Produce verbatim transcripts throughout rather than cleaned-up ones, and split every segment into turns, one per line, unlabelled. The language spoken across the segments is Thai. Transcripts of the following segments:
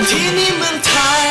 ที่นี่เมืองไทย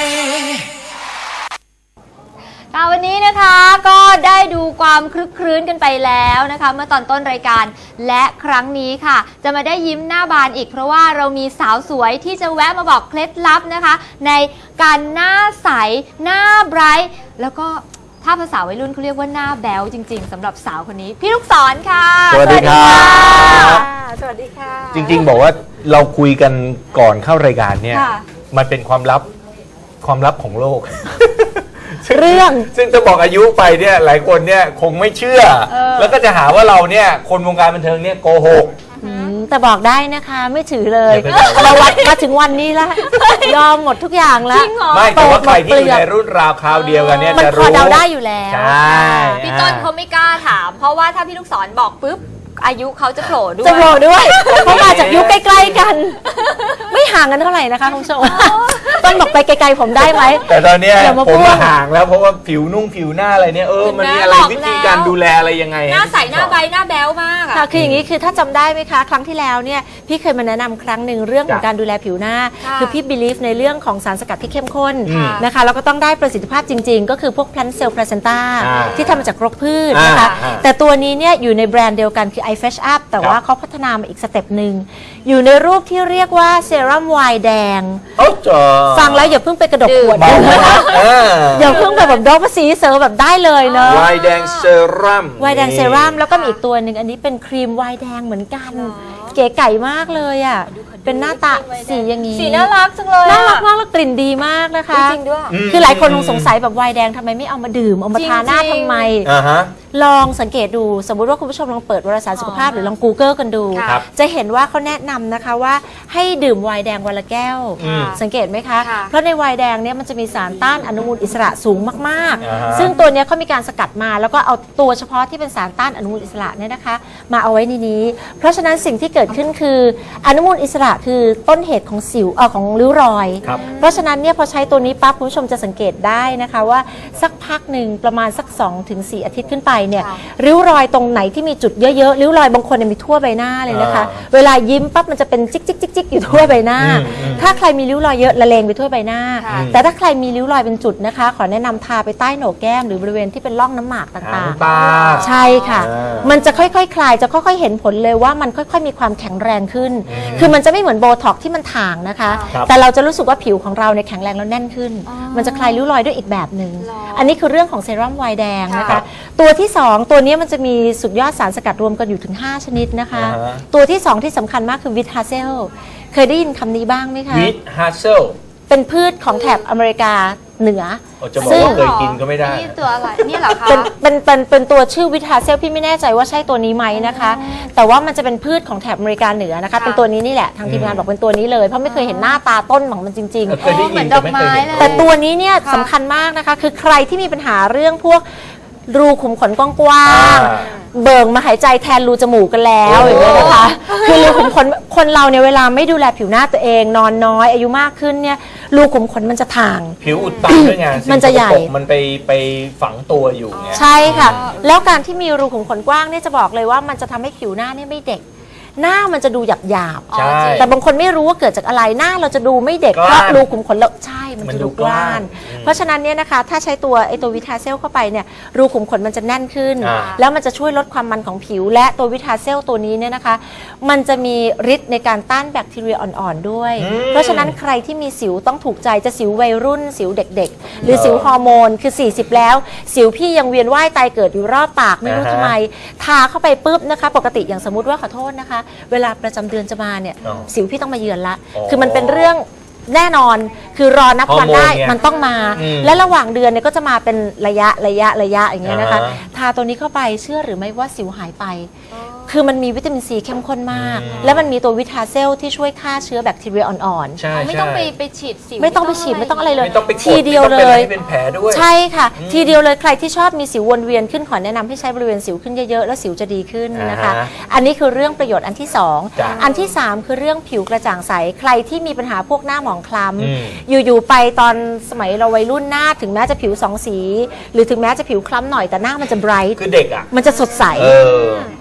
ค่ะวันนี้นะคะก็ได้ดูความคลึกครื้นกันไปแล้วนะคะเมื่อตอนต้นรายการและครั้งนี้ค่ะจะมาได้ยิ้มหน้าบานอีกเพราะว่าเรามีสาวสวยที่จะแวะมาบอกเคล็ดลับนะคะในการหน้าใสหน้าไบรท์แล้วก็ถ้าภาษาวัยรุ่นเขาเรียกว่าหน้าแบ๊วจริงๆสำหรับสาวคนนี้พี่ลูกศรค่ะ
สวัสดีครับ
สวัสดีค่ะ
จริงๆบอกว่าเราคุยกันก่อนเข้ารายการเนี่ยมันเป็นความลับความลับของโลก
เรื่อง
ซึ่งจะบอกอายุไปเนี่ยหลายคนเนี่ยคงไม่เชื่อแล้วก็จะหาว่าเราเนี่ยคนวงการบันเทิงเนี่ยโกหก
แต่บอกได้นะคะไม่ถือเลยเราวัดมาถึงวันนี้แล้วยอมหมดทุกอย่างแล้ว
ไม่แต่ว่าใครที่อยู่ในรุ่นราวคราวเดียวกันเนี่ยจะรู้
มันพอเดาได้อยู่แล้ว
ใช่
พี่ต้นเขาไม่กล้าถามเพราะว่าถ้าพี่ลูกศรบอกปุ๊บอายุเขาจะโผล่ด้วย
จะโผล่ด้วยเพราะมาจากยุคใกล้ๆกันไม่ห่างกันเท่าไหร่นะคะคุณผู้ชมต้นบอกไปไกลๆผมได้ไหม
แต่ตอนนี้ผมห่างแล้วเพราะว่าผิวนุ่งผิวหน้าอะไรเนี่ยเออมันมีอะไรวิธีการดูแลอะไรยังไง
หน้าใสหน้าใบหน้าแบ๊วมาก
ค่ะคืออย่างนี้คือถ้าจำได้ไหมคะครั้งที่แล้วเนี่ยพี่เคยมาแนะนำครั้งหนึ่งเรื่องของการดูแลผิวหน้าคือพี่ believe ในเรื่องของสารสกัดที่เข้มข้นนะคะแล้วก็ต้องได้ประสิทธิภาพจริงๆก็คือพวก plant cell placenta ที่ทำมาจากรกพืชนะคะแต่ตัวนี้เนี่ยอยู่ในแบรนด์เดียวกันคือ iFresh Up แต่ว่าเขาพัฒนามาอีกสเต็ปหนึ่งอยู่ในรูปที่เรียกว่าเซรั่มไวน์แดงฟังแล้วอย่าเพิ่งไปกระดกขวดอย่าเพิ่งไปแบบดอกภาษีเซอร์แบบได้เลยเนาะ
ไวน์แดงเซรั่ม
ไวน์แดงเซรั่มแล้วก็มีอีกตัวหนึ่งอันนี้เป็นครีมไวน์แดงเหมือนกันเก๋ไก่มากเลยอ่ะเป็นหน้าตาสีอย่างนี้
สีน่ารักจังเลย
น่ารักมากแล้วกลิ่นดีมากนะคะ
จริงด้วย
คือหลายคนคงสงสัยแบบไวน์แดงทำไมไม่เอามาดื่มเอามาทาหน้าทำไมลองสังเกตดูสมมุติว่าคุณผู้ชมลองเปิดวารสารสุขภาพหรือลอง Google กันดูจะเห็นว่าเขาแนะนำนะคะว่าให้ดื่มไวน์แดงวันละแก้วสังเกตไหมคะเพราะในไวน์แดงเนี่ยมันจะมีสารต้านอนุมูลอิสระสูงมากๆซึ่งตัวนี้เขามีการสกัดมาแล้วก็เอาตัวเฉพาะที่เป็นสารต้านอนุมูลอิสระเนี่ยนะคะมาเอาไว้ในนี้เพราะฉะนั้นสิ่งที่เกิดขึ้นคืออนุมูลอิสระคือต้นเหตุของสิวเออของริ้วรอยเพราะฉะนั้นเนี่ยพอใช้ตัวนี้ปั๊บคุณผู้ชมจะสังเกตได้นะคะว่าสักพักหนึ่งประมาณสัก สองถึงสี่ อาทิตย์ขึ้นไปเนี่ยริ้วรอยตรงไหนที่มีจุดเยอะๆริ้วรอยบางคนมีทั่วใบหน้าเลยนะคะเวลายิ้มปั๊บมันจะเป็นจิ๊กจิ๊กจิ๊กจิ๊กอยู่ทั่วใบหน้าถ้าใครมีริ้วรอยเยอะละเลงไปทั่วใบหน้าแต่ถ้าใครมีริ้วรอยเป็นจุดนะคะขอแนะนำทาไปใต้โหนกแก้มหรือบริเวณที่เป็นร่องน้ำหมากต่างๆใช่ค่ะมันจะค่อยๆคลายจะค่อยๆเห็นผลเลยว่ามันค่อยๆมีความแข็งแรงขึ้นคือมันจะไม่เหมือนโบท็อกที่มันถ่างนะคะแต่เราจะรู้สึกว่าผิวของเราเนี่ยแข็งแรงแล้วแน่นขึ้นมันจะคลายริ้วรอยด้วยอีกแบบหนึ่งอันนี้คือเรื่องของเซรั่มไวน์แดงนะคะตัวที่สองตัวนี้มันจะมีสุดยอดสารสกัดรวมกันอยู่ถึงห้าชนิดนะคะตัวที่สองที่สำคัญมากคือวิตฮาเซลเคยได้ยินคำนี้บ้างไหมคะ
วิตฮาเซล
เป็นพืชของแถบอเมริกาเหนือ
ซึ่งเคยกินก็ไม่ได้
นี่ตัวอะไรนี่เหรอคะ
เป็นเป็นเป็นเป็นตัวชื่อวิตฮาเซลพี่ไม่แน่ใจว่าใช่ตัวนี้ไหมนะคะแต่ว่ามันจะเป็นพืชของแถบอเมริกาเหนือนะคะเป็นตัวนี้นี่แหละทางทีมงานบอกเป็นตัวนี้เลยเพราะไม่เคยเห็นหน้าตาต้นของมันจริงๆ
เหมือนดอกไม้เลย
แต่ตัวนี้เนี่ยสำคัญมากนะคะคือใครที่มีปัญหาเรื่องพวกรูขุมขนกว้างๆเบิ่งมาหายใจแทนรูจมูกกันแล้วอย่างนี้นะคะคือรูขุมขนคนเราเนี่ยเวลาไม่ดูแลผิวหน้าตัวเองนอนน้อยอายุมากขึ้นเนี่ยรูขุมขนมันจะถ่าง
ผิวอุดตันด้วยไง
มันจะใหญ่
มันไปไปฝังตัวอยู่ไง
ใช่ค่ะแล้วการที่มีรูขุมขนกว้างเนี่ยจะบอกเลยว่ามันจะทำให้ผิวหน้าเนี่ยไม่เด็กหน้ามันจะดูหยาบหยาบแต่บางคนไม่รู้ว่าเกิดจากอะไรหน้าเราจะดูไม่เด็กเพราะรูขุมขนเราใช่มันจะดูกว้างเพราะฉะนั้นเนี่ยนะคะถ้าใช้ตัวไอตัววิตาเซลเข้าไปเนี่ยรูขุมขนมันจะแน่นขึ้นแล้วมันจะช่วยลดความมันของผิวและตัววิตาเซลตัวนี้เนี่ยนะคะมันจะมีฤทธิ์ในการต้านแบคทีเรียอ่อนๆด้วยเพราะฉะนั้นใครที่มีสิวต้องถูกใจจะสิววัยรุ่นสิวเด็กๆหรือสิวฮอร์โมนคือสี่สิบแล้วสิวพี่ยังเวียนว่ายตายเกิดอยู่รอบปากไม่รู้ทำไมทาเข้าไปปุ๊บนะคะปกติอย่างสมมติว่าขอโทษนะคะเวลาประจำเดือนจะมาเนี่ยสิวพี่ต้องมาเยือนละคือมันเป็นเรื่องแน่นอนคือรอนับวันได้มันต้องมาและระหว่างเดือนเนี่ยก็จะมาเป็นระยะระยะระยะอย่างเงี้ยนะคะทาตัวนี้เข้าไปเชื่อหรือไม่ว่าสิวหายไปคือมันมีวิตามินซีเข้มข้นมากและมันมีตัววิตาเซลที่ช่วยฆ่าเชื้อแบคทีเรียอ่อน
ๆไม่ต้องไปไปฉีดสิว
ไม่ต้องไปฉีดไม่ต้องอะไรเลย
ที
เดียวเลย
เป็นแผลด้วย
ใช่ค่ะทีเดียวเลยใครที่ชอบมีสิววนเวียนขึ้นขอแนะนำให้ใช้บริเวณสิวขึ้นเยอะๆแล้วสิวจะดีขึ้นนะคะอันนี้คือเรื่องประโยชน์อันที่สองอันที่สามคือเรื่องผิวกระจ่างใสใครที่มีปัญหาพวกหน้าหมองคล้ำอยู่ๆไปตอนสมัยเราวัยรุ่นหน้าถึงแม้จะผิวสองสีหรือถึงแม้จะผิวคล้ำหน่อยแต่หน้ามันจะไบรท์
คือเด็กอ่ะ
มันจะสดใส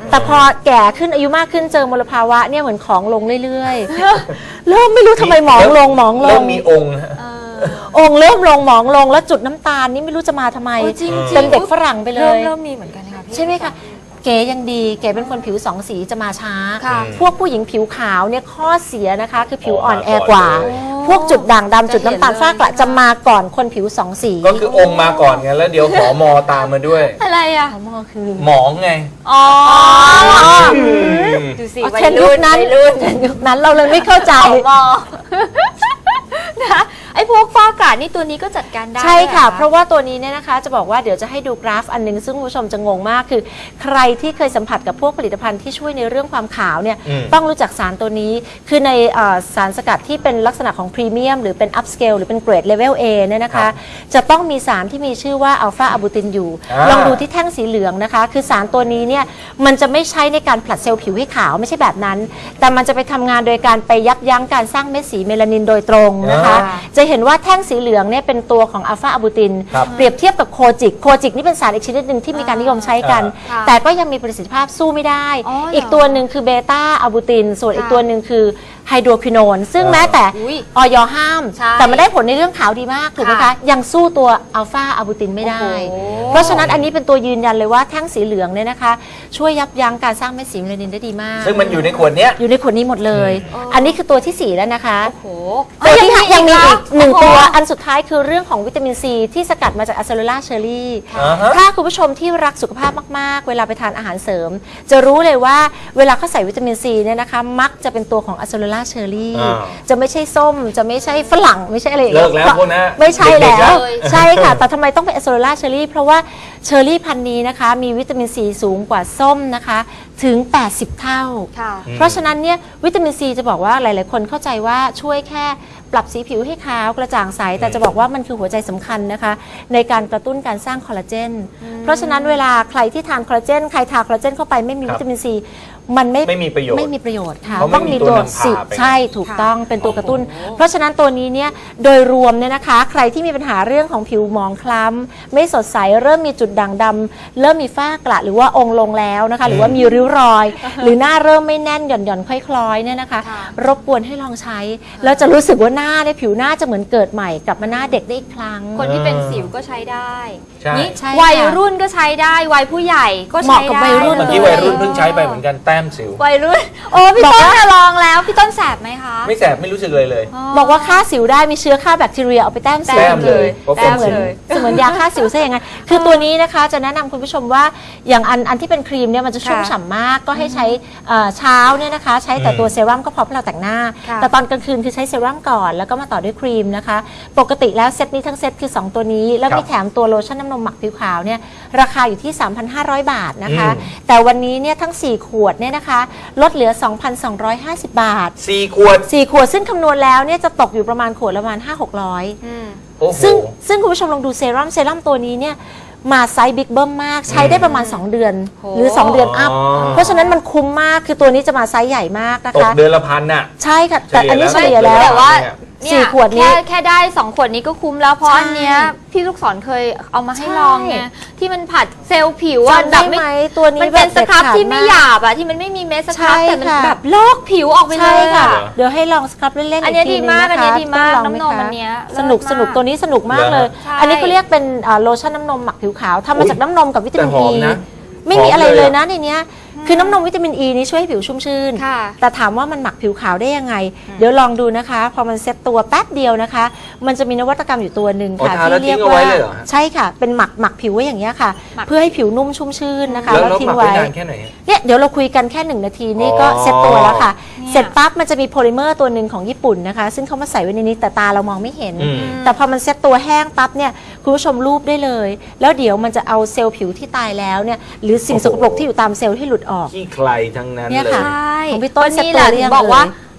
แต่พอแก่ขึ้นอายุมากขึ้นเจอมลภาวะเนี่ยเหมือนของลงเรื่อยๆ เริ่มไม่รู้ทำไมหมองลงหมองล
เริ่
ง
มมีองค์ฮะ
องค์เริ่มลงหมองลงแล้วจุดน้ำตาลนี่ไม่รู้จะมาทำไม
โอ้จริงๆ
เป็นเด็กฝรั่งไปเล
เริ่ม
ย
เริ่มมีเหมือนกันนะคะพี่
ใช่ไหมคะเก๋ยังดีเก๋เป็นคนผิวสองสีจะมาช้า
ค่ะ
พวกผู้หญิงผิวขาวเนี่ยข้อเสียนะคะคือผิว
อ๋อ
อ่อนแอ
มาก่อน
กว่า
เลย
พวกจุดด่างดำจุดน้ำตาล
จะเห็นเลย
ฝ้ากระจะมาก่อนคนผิวสองสี
ก็คือองค์มาก่อนไงแล้วเดี๋ยวหอมอตามมาด้วย
อะไรอ่ะ
อ๋อมอคือ
หมองไง
อ๋อ
ม
ดูสิ
อ๋อ
วัย
เทรนด์ยุ
รุ่
คน นั้น
วัยรุ่น
เทรนด์ยุคนั้นเราเลยไม่เข้าใจ
มอนะไอ้พวกฝ้ากระนี่ตัวนี้ก็จัดการได้
ใช่ค่ะ
หอ
เพราะว่าตัวนี้เนี่ยนะคะจะบอกว่าเดี๋ยวจะให้ดูกราฟอันหนึงซึ่งคุณผู้ชมจะงงมากคือ ใครที่เคยสัมผัสกับพวกผลิตภัณฑ์ที่ช่วยในเรื่องความขาวเนี่ย
อืม
ต้องรู้จักสารตัวนี้ คือในเอ่อสารสกัดที่เป็นลักษณะของพรีเมียมหรือเป็นอัพสเกลหรือเป็นเกรดเลเวล A เนี่ยนะ
ครั
คะ
บ
จะต้องมีสารที่มีชื่อว่าอัลฟาอะบูตินอยู่
อ่า
ลองดูที่แท่งสีเหลืองนะคะ คือสารตัวนี้เนี่ยมันจะไม่ใช้ในการผลัดเซลล์ผิวให้ขาวไม่ใช่แบบนั้น แต่มันจะไปทำงานโดยการไปยับยั้งการสร้างเม็ดสีเมลานินโดยตรงนะคะ
อ่า
จะเห็นว่าแท่งสีเหลืองเนี่ยเป็นตัวของอัลฟาอะบูติน
ครับ
เปรียบเทียบกับโคจิก โคจิกนี่เป็นสารอีกชนิดหนึ่งที่มีการนิยมใช้กัน
ค่ะ
แต่ก็ยังมีประสิทธิภาพสู้ไม่ได้
อ๋อเหรอ
อีกตัวหนึ่งคือเบต้าอะบูติน ส่วนอีก
ค่ะ
ตัวหนึ่งคือไฮโดรควิโนน ซึ่ง
อ่า
แม้แต่
อุ๊ย
ออยห้าม
ใช่
แต่มันได้ผลในเรื่องขาวดีมาก ถูกไหม
ค่ะ
คะ ยังสู้ตัวอัลฟาอะบูตินไม่ได้
โอ้โห
เพราะฉะนั้นอันนี้เป็นตัวยืนยันเลยว่าแท่งสีเหลืองเนี่ยนะคะ ช่วยยับยั้งการสร้างเม็ดสีเมลานินได้ดีมาก
ซึ่งมันอยู่ในขวดเนี้ย
อยู่ในขวดนี้หมดเลย
อืม
อันนี้คือตัวที่สี่แล้วนะคะ
โอ้โห
ตัวที่ห้ายังมีอีกหนึ่งตัว
โอ้โ
อันสุดท้ายคือเรื่องของวิตามินซีที่สกัดมาจากอะเซลูล่าเชอรี่
อ่าฮะ
ถ้าคุณผู้ชมที่รักสุขภาพมากๆ เวลาไปทานอาหารเสริม จะรู้เลยว่าเวลาเขาใส่วิตามินซีเนี่ยนะคะ มักจะเป็นตัวของอะเซลูล่าเชอรี่
อ่า
จะไม่ใช่ส้ม จะไม่ใช่ฝรั่งไม่ใช่อะไรอย่าง
เลิ
เงี้
กแล้วพวกนั้น
ไม่ใช่
เด็กๆ
แล้ว
แล้ว
ใช่ค่ะ แต่ทำไมต้องเป็นอะเซลูล่าเชอรี่เพราะว่าเชอรี่พันธุ์นี้นะคะ มีวิตามินซีสูงกว่าส้มนะคะถึงแปดสิบเท่า
ค่ะ
เพราะฉะนั้นเนี่ยวิตามินซีจะบอกว่าหลาย ๆ คนเข้าใจว่าช่วยแค่ปรับสีผิวให้ขาวกระจ่างใส แต่จะบอกว่ามันคือหัวใจสำคัญนะคะ ในการกระตุ้นการสร้างคอลลาเจน เพราะฉะนั้นเวลาใครที่ทานคอลลาเจนใครทานคอลลาเจนเข้าไปไม่มี
ครับ
วิตามินซีมันไม่
ไม่มีประโยชน์
ไม่มีประโยชน์ค่ะ
เพราะไม่
ต้อง
มี
มี
ตั
ตัว
วนำพา
สิ
ไป
ใช่ถูกต้องเป็นตัวกระตุ้น
โอ้โห
เพราะฉะนั้นตัวนี้เนี่ยโดยรวมเนี่ยนะคะ ใครที่มีปัญหาเรื่องของผิวหมองคล้ำไม่สดใสเริ่มมีจุดด่างดำเริ่มมีฝ้ากระหรือว่าองค์ลงแล้วนะคะ หรือว่ามีริ้วรอย หรือหน้าเริ่มไม่แน่นหย่อนหย่อนๆคล้อยๆเนี่ยนะคะ
ค่ะ
รบกวนให้ลองใช้แล้วจะรู้สึกว่าหน้าเนี่ยผิวหน้าจะเหมือนเกิดใหม่กลับมาหน้าเด็กได้อีกครั้ง
คนที่เป็นสิวก็ใช้ได้
ใช่
นี่
ใช่ค่ะ
วัยรุ่นก็ใช้ได้ วัยผู้ใหญ่ก็
เห
ใช้
มาะกับ
ได้
วัยรุ่น
เมื่อกี้วัยรุ่นเพิ่งใช้ไปเหมือนกันแต้มสิว
วัยรุ่น โอ้พี่
บอก
ต้น
ว่า
น่ะลองแล้ว พี่ต้นแสบไหมคะ
ไม่แสบไม่รู้สึกเลยเลย
บอกว่าฆ่าสิวได้มีเชื้อฆ่าแบคทีเรียเอาไปแต้มสิว
แต้มเลย
เสมือน
เลย
เสมือนยาฆ่าสิวซะอย่างนั้นคือตัวนี้นะคะจะแนะนำคุณผู้ชมว่าอย่างอันอันที่เป็นครีมเนี่ยมันจะชุ่ม
ค่ะ
ฉ่ำมากก็ให้ใช้เอ่อเช้าเนี่ยนะคะ ใช้แต่ตัวเซรั่มก็พอเพราะเราแต่งหน้า
ค่ะ
แต่ตอนกลางคืนคือใช้เซรั่มก่อนแล้วก็มาต่อด้วยครีมนะคะ ปกติแล้วเซตนี้ทั้งเซตคือสองตัวนี้ แล้ว
ครับ
มีแถมตัวโลชั่นน้ำนมหมักผิวขาวเนี่ยราคาอยู่ที่ สามพันห้าร้อย บาทนะคะ
อืม
แต่วันนี้เนี่ยทั้งสี่ขวดเนี่ยนะคะลดเหลือ สองพันสองร้อยห้าสิบ บาท
สี่ขวด
สี่ขวดซึ่งคำนวณแล้วเนี่ยจะตกอยู่ประมาณขวดละประมาณ ห้าหกร้อย
อืม
โอ้โห
ซึ่งซึ่งคุณผู้ชมลองดูเซรั่มเซรั่มตัวนี้เนี่ยมาไซส์บิ๊กเบิ้มมากใช้ได้ประมาณ สอง เดือน
โห
หรือ สอง เดือนอัพ
อ๋อ
เพราะฉะนั้นมันคุ้มมากคือตัวนี้จะมาไซส์ใหญ่มากนะ
ตก
คะ
เดือนละพันน่ะ
ใช่ค่ะ แต่อันนี้เฉ
เฉลี่
ลี่ย
ย
แล้ว
แต่ว่า
เนี่ย
เนี่ย
สี่ขวดนี้
แค่แค่ได้สองขวดนี้ก็คุ้มแล้วเพราะ
ใช่
อันเนี้ยพี่ลูกศรเคยเอามาให้
ใช่
ลองไงที่มันผัดเซลล์ผิวอะ
จำได้
แบบ
ไหมตัวนี้
มันเป็น
แบบ
สครับ
เด็ดขาด
ที่ไม่
มาก
หยาบอะที่มันไม่มีเม็ดสครับ
ใช่
แต่มัน
ค่ะ
แบบลอกผิวออกไปเล
ใช่
ย
ค่ะ
อะ
เดี๋ยวให้ลองสครับเล่นๆ
อัน
อี
เนี้
ก
ย
ที
ดี
นึง
มาก
นะคะ
อันเนี้ยดีมาก
ต้องลองไห
น้ำนม
คะ
อันเนี้ย
สนุก
เลิศ
สนุก
มาก
ตัวนี้สนุกมากเลย
ใช่
อันนี้เขาเรียกเป็นอ่าโลชั่นน้ำนมหมักผิวขาวทำมาจากน้ำนมกับวิตามิน
แต่ห
อี
อมนะ
ไม่มีอะไร
หอมเลย
เลย
อะ
นะในเนี้ยคือน้ำนมวิตามินอีนี้ช่วยให้ผิวชุ่มชื่น
ค่ะ
แต่ถามว่ามันหมักผิวขาวได้ยังไง เดี๋ยวลองดูนะคะ พอมันเซ็ตตัวแป๊บเดียวนะคะ มันจะมีนวัตกรรมอยู่ตัวหนึ่งค่ะ
อ๋อทาแล้ว
ที่เรียก
ทิ้งเอา
ว่า
ไว้เลยเหรอฮะ
ใช่ค่ะ เป็นหมักหมักผิวไว้อย่างเงี้ยค่ะ
หมัก
เพื่อให้ผิวนุ่มชุ่มชื่นนะคะ
แล้ว
แล้ว
แล้ว
ทิ้
ห
ง
มักไว้
ไว้
นานแค่ไหน
เนี่ยเดี๋ยวเราคุยกันแค่หนึ่งนาทีนี่ก็
อ๋อ
เซ็ตตัวแล้วค่ะ
เนี่ย
เสร็จปั๊บมันจะมีโพลิเมอร์ตัวหนึ่งของญี่ปุ่นนะคะ ซึ่งเขามาใส่ไว้ในนี้แต่ตาเรามองไม่เห็น
อืม
แต่พอมันเซ็ตตัวแห้งปั๊บเนี่ยคุณผู้ชมรูปได้เลย แล้วเดี๋ยวมันจะเอาเซลล์ผิวที่ตายแล้วเนี่ยหรือสิ่งสกปรกที่อยู่ตามเซลล์ที่หลุดออก
ขี้ใครทั้งนั้น
เนี่ย
เลย
ค่ะ
ใช่
ของพี่ต้น
วันนี้
เซ็ตตัว
แหละ
หรือ
ถึ
ยัง
งบอกว่า
เอ่ย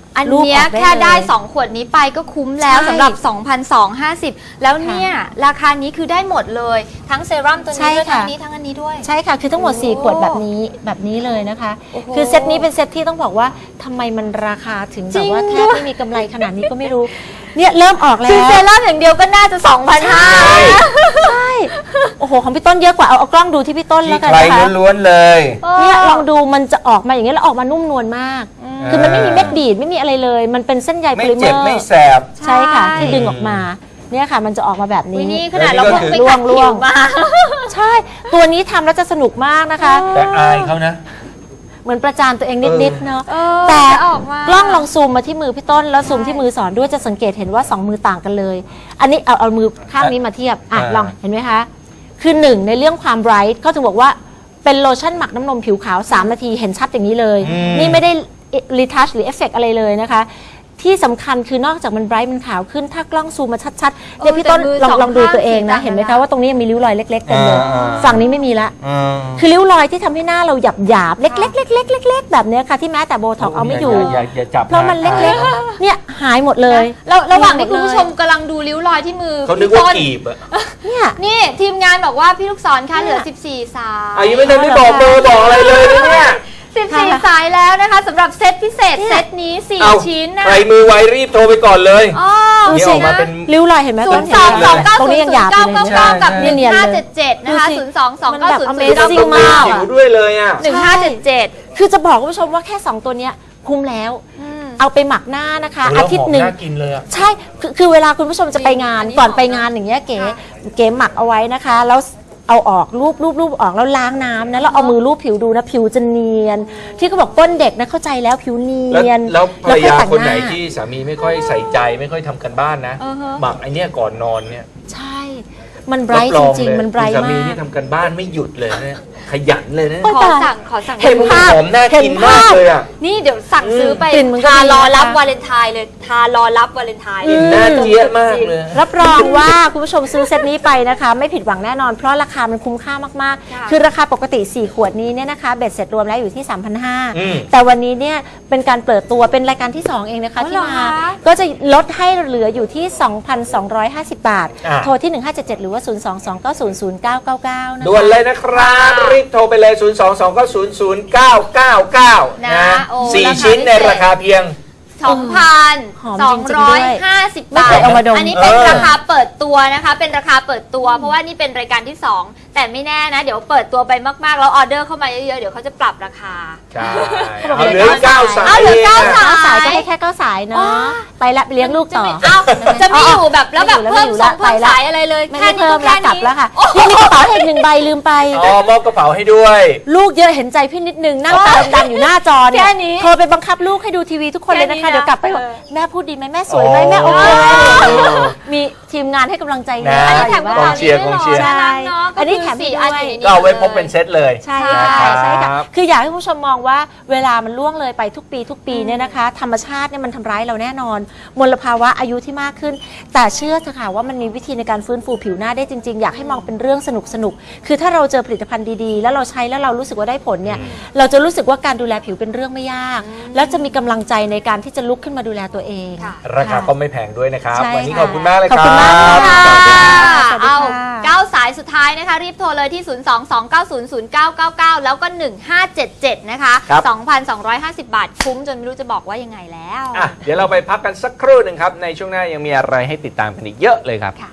อัน
รูป
เนี้ย
ออกได้
แค่ได้
เลย
สอง ขวดนี้ไปก็คุ้มแล้ว
ใช่
สำหรับ สองพันสองร้อยห้าสิบ แล้วเนี่ยราคานี้คือได้หมดเลย ทั้งเซรั่มตัว
ใช่
นี้ด้วย
ค่ะ
ทั้งนี้ทั้งอันนี้ด้วย
ใช่ค่ะ คือทั้งหมด
โอ้
สี่ ขวดแบบนี้แบบนี้เลยนะคะ
โอ้โห
คือเซตนี้เป็นเซตที่ต้องบอกว่าทำไมมันราคาถึงแบบว่า
จริง
แทบไม่มีกำไรขนาดนี้ก็ไม่รู้ เนี่ยเริ่มออกแล้
คือ
ว
เซรั่มอย่างเดียวก็น่าจะ สองพันห้าร้อย
ใช่โอ้โหของพี่ต้นเยอะกว่าเอาเอากล้องดูที่พี่ต้น
ที่
แล้วกัน
ใคร
นะคะ
ล้วนๆเลย
เนี่ยลองดูมันจะออกมาอย่างเงี้ยแล้วออกมานุ่มนวลมาก คือมันไม่มีเม็ดดีดไม่มีอะไรเลย มันเป็นเส้นใย
ไม่
โพลิเม
เจ็บ
อร์
ไม่แสบ
ใช่ค่ะที่ดึงออกมาเนี่ยค่ะมันจะออกมาแบบ
วิ
นี้
นี่ขนาด
แล้
เรา
วนี่ก็
เพิ่งไป
คือ
ขัด
ล่
ผิ
ว
ว
ง
มา
ใช่ตัวนี้ทำแล้วจะสนุกมากนะคะ
แต่อายเขานะ
เหมือนประจานตัวเองนิดๆเนาะ
เออ
แต่
ออกมาก
ล้องลองซูมมาที่มือพี่ต้นแล้วซูมที่มือสอนด้วยจะสังเกตเห็นว่าสองมือต่างกันเลย อันนี้เอาเอามือข้างนี้มาเทียบอ่ะ
อ่า
ลองเห็นไหมคะ คือหนึ่งในเรื่องความไบรท์เขาถึงบอกว่าเป็นโลชั่นหมักน้ำนมผิวขาว สาม นาทีเห็นชัดอย่างนี้เลย นี่ไม่ได้รีทัชหรือเอฟเฟกอะไรเลยนะคะ ที่สำคัญคือนอกจากมันไบรท์มันขาวขึ้น ถ้ากล้องซูมมาชัดๆเนี่ยพี่ต้น
แต่มือ
ลอง
สอง
ลองดูตัวเอง
ข้าง
นะ
สี
เห็นไหม
ต่างกั
คะ
น
ว่าตรงนี้ยังมีริ้วรอยเล็กๆเต็มเลย
อ่า
ฝั่งนี้ไม่มีละ
อืม
คือริ้วรอยที่ทำให้หน้าเราหยาบหยาบๆเล็กๆเล็กๆเล็กๆแบบเนี้ยค่ะที่แม้แต่โบท็อกซ์เอาไม่อยู่
อย่าอย่าจับ
เพราะมันเล็กๆ เนี่ยหายหมดเลย
แล้วระหว่างที่
หม
คุ
ด
ณ
เลย
ผู้ชมกำลังดูริ้วรอยที่มือ
เขานึก
พี่
ว่า
ต้น
กีบอะ
เนี่ย
นี่ทีมงานบอกว่าพี่ลูกศรคะเหลือ สิบสี่ สาย
อายุไม่ทันได้บอกเบอร์บอกอะไรเลยนะเนี่ย
สิบสี่ สายแล้วนะคะสำหรับเซตพิเศษ
เนี่ย
เซตนี้ สี่
เอา
ชิ้นนะ
ใครมือไวรีบโทรไปก่อนเลย
อ๋อ
ดู
นี่
สิ
ออกมาเป็น
ริ้วรอยเห็นไหม
ศู
ต้
น
น
ย์
เห็
ส
น
อง
ไหม
สองเก้า
ตรง
ศู
นี้
น
ยัง
ย์
หยาบ
เก้า
อยู่เลย
เก้า
เนี่ย
เก้ากับห
ใช่
นึ่งห้าเจ็ดเจ็ดนะคะ
ดูสิ
ศูนย์สองสอง
มัน
เก้า
แบบ
ศูนย์
Amazing
ศูนย์
มาก
ผิวด้วยเลยอ่ะ
หนึ่งห้าเจ็ดเจ็ด
คือจะบอกคุณผู้ชมว่าแค่ สอง ตัวเนี้ยคุ้มแล้ว เอาไปหมักหน้านะคะ
โอ้แล้ว
อาทิตย์หนึ่ง
หอมน่ากินเลยอะ
ใช่คือคือเวลาคุณผู้ชมจะไปงาน
อันนี้
ก่อน
หอม
ไปงานอย่างเงี้ยเก๋
ค่ะ
เก๋หมักเอาไว้นะคะ แล้วเอาออกรูปรูปรูปออกแล้วล้างน้ำนะแล้วเอามือรูปผิวดูนะผิวจะเนียน ที่เขาบอกก้นเด็กนะเข้าใจแล้วผิวเนี
แล้ว
ยน
แล้วภรรยา
ค่อแต่ง
คนไหน
า
ที่สามีไม่ค่อยใส่ใจไม่ค่อยทำกันบ้านนะ
อือฮะ
หมักไอเนี้ยก่อนนอนเนี่ย
ใช่ มันไบรท์
บ
จ
อง
ริง
เลย
ๆ มันไบร
คุณ
ท์
สามี
มาก
นี่ทำกันบ้านไม่หยุดเลยนะขยันเลยนะ
โอ้ย
ขอสั่งขอสั่ง
เห็นภาพ
หอมน่ากิน
เห็น
มาก
ภาพ
เลยอ่ะ
นี่เดี๋ยวสั่งซื้อไป
กลิ่นมันก็
ทา
ดี
รอรับ
นะคะ
วาเลนไทน์เลยทารอรับวาเลนไทน์
กลิ่นน่าเจี๊ยบมากเลย
รับรองว่าคุณผู้ชมซื้อเซตนี้ไปนะคะ ไม่ผิดหวังแน่นอน เพราะราคามันคุ้มค่ามาก
ค่ะ
ๆ คือราคาปกติ สี่ ขวดนี้เนี่ยนะคะเบ็ดเสร็จรวมแล้วอยู่ที่ สามพันห้าร้อย
อืม
แต่วันนี้เนี่ยเป็นการเปิดตัวเป็นรายการที่ สอง เองนะคะ
อ๋อ
ที่
เหรอ
มา
คะ
ก็จะลดให้เหลืออยู่ที่ สองพันสองร้อยห้าสิบ บาท
อ่ะ
โทรที่ หนึ่งห้าเจ็ดเจ็ด หรือว่า ศูนย์ สอง สอง เก้า ศูนย์ ศูนย์ เก้า เก้า เก้า นะคะ
ด่วนเลยนะครับ รีบโทรไปเลย ศูนย์ สอง สอง เก้า ศูนย์ ศูนย์ เก้า เก้า เก้า
นะ
นะ
โอ้
สี่
ราคา
ชิ้นใน
พิเศษ
ราคาเพียง
สองพัน
หอม
สอง
จริงๆ
ร้อย
ด้วย
ห้าสิบ
ไม่
บา
เค
ท
ยเอามาดม
อันนี้เป็น
เออ
ราคาเปิดตัวนะคะ เป็นราคาเปิดตัว เพราะว่านี่เป็นรายการที่สองแต่ไม่แน่นะ เดี๋ยวเปิดตัวไปมากๆแล้วออเดอร์เข้ามาเยอะๆเดี๋ยวเขาจะปรับราคา
ใช่
เขาบอก
เอาเหลือ
เหลือ
เก้า
เก้า
สาย
เอาเหลือเก้า
งะ
สาย
เก้าสายก็ให้แค่เก้าสายเนาะไปละไปเลี้ยงลูก
จะ
ต่อ
ไม่เอาจะไม่อยู่แบบแล้วแบบ
ไม่
เพิ่ม
อยู่
ส
แล้
อ
ว
งเพิ่ม
ไปละ
สายอะไรเลย
ไม่
แค่
ได้
นี้
เพิ่
ก็
ม
แค่
แล้วกลับ
นี้
แล้วค่ะ
โอ้โห
พี่มีกระเป๋าให้อีกหนึ่งใบลืมไป
อ๋อมอบกระเป๋าให้ด้วย
ลูกเยอะเห็นใจพี่นิดนึงนั่งตาดำๆอยู่หน้าจอเนี่ย
แค่นี้
โทรไปบังคับลูกให้ดูทีวีทุกคนเลยนะ
แค่
คะ
นี้นะ
เดี๋ยวกลับไปบอก
เออ
แม่พูดดีไหมแม่สวยไหม
อ๋อ
แม่โอเคไหม
อ๋อ
มีทีมงานให้กำลังใจ
นะ
อันนี้แถมกระ
กอ
เป๋าง
เชียร์กองเชียร์
น่ารักเนาะ
อันนี้
ก็
แถ
คื
มให้
สี่
ด้วย
อันอยู่ในนี้
ก็เอาไว้พกเป็นเซตเลย
ใช่
นะ
ค่ะ
รับ
ใช่ค่ะคืออยากให้ผู้ชมมองว่าเวลามันล่วงเลยไปทุกปีทุกปีเนี่ยนะคะ ธรรมชาติเนี่ยมันทำร้ายเราแน่นอน มลภาวะอายุที่มากขึ้น แต่เชื่อเถอะค่ะว่ามันมีวิธีในการฟื้นฟูผิวหน้าได้จริงๆ อยากให้มองเป็นเรื่องสนุกสนุกๆคือถ้าเราเจอผลิตภัณฑ์ดีๆ แล้วเราใช้แล้วเรารู้สึกว่าได้ผลเนี่ยเราจะรู้สึกว่าการดูแลผิวเป็นเรื่องไม่ยาก แล้วจะมีกำลังใจในการที่จะลุกขึ้นมาดูแลตัวเอง
ค่ะ
ราคาก็ไม่แพงด้วยนะครับ
ใช่
วันนี้
ค่ะ
ขอบคุณมากเลย
ขอบ
ค
คุณ
รั
มาก
บ
ค่ะ
ค่ะ
สวัสดีค่ะ
เอา
สวัสดีค่ะ
เก้าสายสุดท้ายนะคะ รีบโทรเลยที่ ศูนย์ สอง สอง เก้า ศูนย์ ศูนย์ เก้า เก้า เก้า แล้วก็ หนึ่งห้าเจ็ดเจ็ด นะคะ
ครับ
สองพันสองร้อยห้าสิบ บาท คุ้มจนไม่รู้จะบอกว่ายังไงแล้ว
อ่ะเดี๋ยวเราไปพักกันสักครู่หนึ่งครับ ในช่วงหน้ายังมีอะไรให้ติดตามกันอีกเยอะเลยครับ
ค่ะ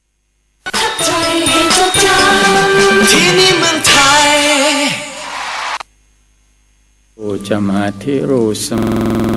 ที่นี่เมืองไทย
โอจะมาธิรูส